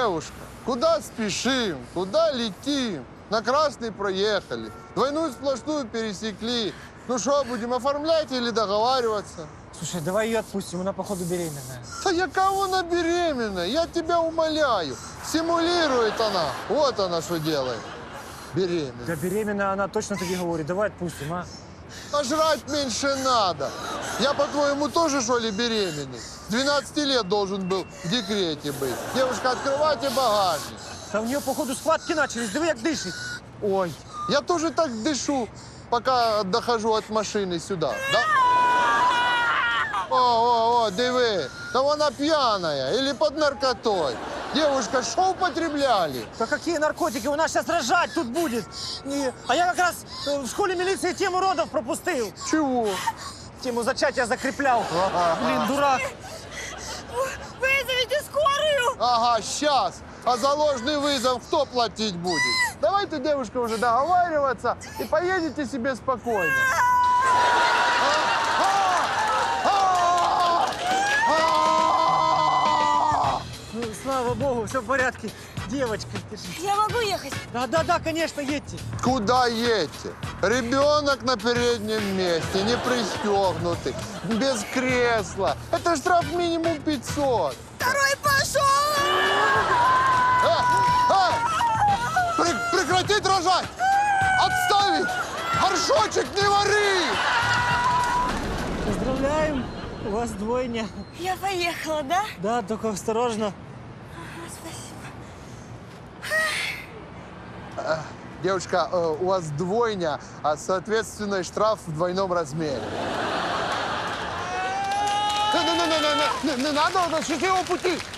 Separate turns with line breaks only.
Девушка, куда спешим, куда летим? На красный проехали, двойную сплошную пересекли. Ну что, будем оформлять или договариваться?
Слушай, давай ее отпустим, она, походу, беременная.
Да я кого она беременная? Я тебя умоляю. Симулирует она. Вот она что делает. Беременная.
Да беременная она точно тебе говорит, давай отпустим, а?
А жрать меньше надо. Я, по-твоему, тоже, что ли, беременный? С 12 лет должен был в декрете быть. Девушка, открывайте багажник.
Да у нее, походу, схватки начались, диви, як дышит. Ой.
Я тоже так дышу, пока дохожу от машины сюда, да? О, диви, да вона пьяная или под наркотой. Девушка, что употребляли?
Да какие наркотики? У нас сейчас рожать тут будет. А я как раз в школе милиции тему родов пропустил.
Чего?
Тему зачатия закреплял. Блин, дурак.
Вызовите скорую!
Ага, сейчас. А за ложный вызов кто платить будет? Давайте, девушка, уже договариваться и поедете себе спокойно.
Ну, слава богу, все в порядке. Девочка, держи.
Я могу ехать?
Да, конечно, едьте.
Куда едете? Ребенок на переднем месте, не пристегнутый, без кресла. Это штраф минимум 500.
Второй пошел!
Прекратить рожать! Отставить! Горшочек не вари!
Поздравляем, у вас двойня.
Я поехала, да?
Да, только осторожно.
Спасибо.
Девушка, у вас двойня, а соответственно штраф в двойном размере. Не надо, счастливого пути!